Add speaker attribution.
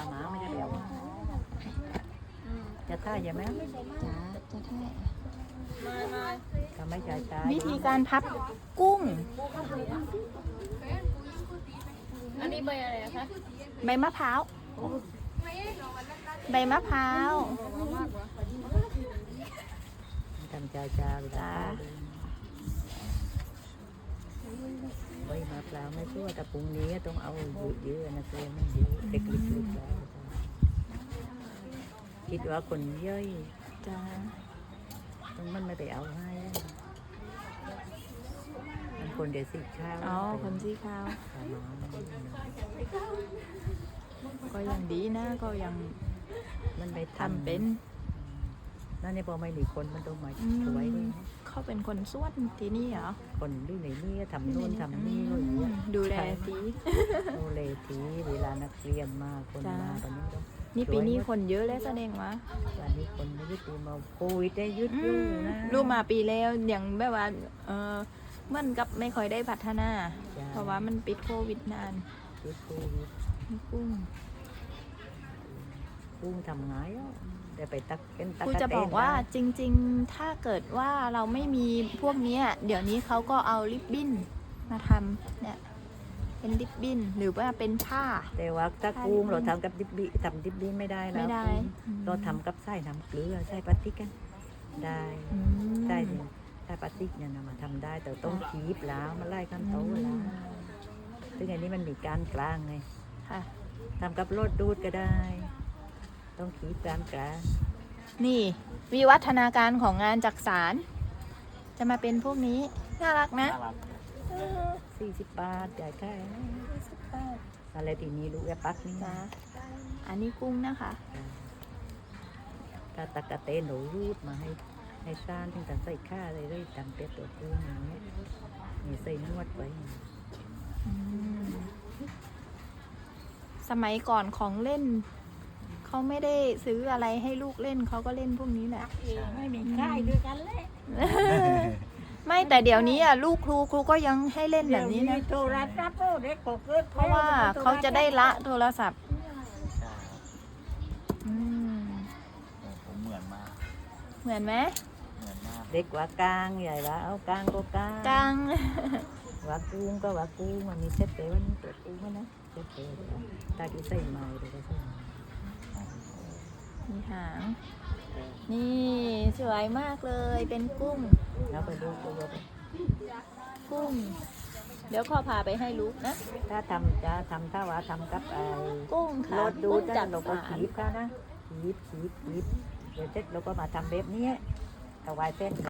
Speaker 1: หมาไม่ได้แล้วจะท่าใช่ไหม
Speaker 2: จ้าจะได้
Speaker 1: ทำไม่จ่ายตา
Speaker 2: วิธีการพับกุ้ง
Speaker 3: อันนี้ใบอะไรคะ
Speaker 2: ใบมะพร้าว ใบมะพร้าว
Speaker 1: ทำจ่ายตาจ้าใบมะพร้าวไม่ชั่วแต่ปรุงนี้ต้องเอาเยอะๆนะเกลือมันเยอะเด็กเล็กๆแล้วคิดว่าคนย่อย
Speaker 2: จ้า
Speaker 1: ต้องมันไม่ไปเอาให้มันคนเดี๋ยวสิข้าว
Speaker 2: อ๋อคนสีขาว ก็ยังดีนะ ก็ยัง
Speaker 1: มันไป
Speaker 2: ทำเป็น
Speaker 1: นั่นเนี่ยพอไม่หนีคนมันต้องมา
Speaker 2: อืม
Speaker 1: ช่วย
Speaker 2: เขาเป็นคนส่วนที่นี่เหรอ
Speaker 1: คนด้วยไหนนี่ทำโน่นทำนี่ก็อย่างเงี้ย
Speaker 2: ดูแลสี
Speaker 1: ดูแลทีเวลานักเรียนมาคนมาตอนนี้ต้อง
Speaker 2: นี่ปีนี้คนเยอะแล้วแสดงว่า
Speaker 1: วันนี้คนไม่ได้ปูมาโควิดได้ยุดอยู่นะ
Speaker 2: รู้มาปีแล้วอย่างแบบว่าเหมันกับไม่ค่อยได้พัฒนา
Speaker 1: จ้ะ
Speaker 2: เพราะว่ามันปิดโควิดนาน
Speaker 1: ยุดโควิด
Speaker 2: กุ้ง
Speaker 1: ปุ้งทำไงอ่ะแต่ไปตักเป็นตัก
Speaker 2: ครู
Speaker 1: กะ
Speaker 2: จะ
Speaker 1: เตน
Speaker 2: บอกว่า
Speaker 1: ได้
Speaker 2: จริงๆ ถ้าเกิดว่าเราไม่มีพวกเนี้ยเดี๋ยวนี้เขาก็เอาริบบิ้นมาทำเนี่ยเป็นริบบิ้นหรือว่าเป็นผ้า
Speaker 1: แต่ว่าถ้ากุ้งเราทำกับดิบบี้ทำดิบบี้ไม่ได้แล้ว
Speaker 2: ไม่ได้
Speaker 1: เราทำกับไส้น้ำเกลือไส้พลาสติกกันได้
Speaker 2: อืม
Speaker 1: ได้เนี่ยไส้พลาสติกเนี่ยนะมาทำได้แต่ต้องคีบแล้วมาไล่ขั้นโตแล้วซึ่งอันนี้มันมีการกลางไง
Speaker 2: ค่ะ
Speaker 1: ทำกับรถดูดก็ได้ ต้องขีดการกลาง
Speaker 2: นี่วิวัฒนาการของงานจักสานจะมาเป็นพวกนี้น่ารักนะ
Speaker 1: 40 บาทจ่ายแค่อะไรทีนี้ลูกแอปปักนี่
Speaker 2: จ้าอันนี้กุ้งนะคะ
Speaker 1: ถ้าตะกะเตนหนูรูดมาให้ซ่านถึงแต่ใส่ข้าเลยเลยจำเป็ดตัวกุ้งอย่างเงี้ยมีใส่นวดไว้
Speaker 2: อืมสมัยก่อนของเล่น เขาไม่ได้ซื้ออะไรให้ลูกเล่นเขาก็เล่นพวกนี้แหละ
Speaker 3: ไม่มีค่ายด้วยกันเลย
Speaker 2: ไม่แต่เดี๋ยวนี้อ่ะลูกครูก็ยังให้เล่นแบบนี้นะ
Speaker 3: โทรศัพท์เด็กก็เกิด
Speaker 2: เพราะว่าเขาจะได้ละโทรศัพท์อืม
Speaker 4: ผมเหมือนมาก
Speaker 2: เหมือนไหม
Speaker 4: เหมือนมาก
Speaker 1: เด็กว่ากลางใหญ่ว่าเอากลางก็กลาง
Speaker 2: กัง
Speaker 1: ว่ากุ้งก็ว่ากุ้งมันมีเซ็ตเต๋วันตัวกุ้งนะเซ็ตเต๋ตาที่ใส่ไม้เลยก็ใส่
Speaker 2: มีหาง นี่สวยมากเลยเป็นกุ้ง
Speaker 1: แล้วไปดูตัว
Speaker 2: กุ้ง เดี๋ยวขอพาไปให้ลูกนะ
Speaker 1: ถ้าทำจะทำถ้าว่าทำกับไอ้
Speaker 2: กุ้งค่ะ
Speaker 1: รถดู
Speaker 2: กุ้ง
Speaker 1: จ้ะ
Speaker 2: จัก
Speaker 1: เราก็
Speaker 2: สาน
Speaker 1: ขีบค่ะนะขีบเดี๋ยวเสร็จเราก็มาทำแบบนี้ถวายเส้น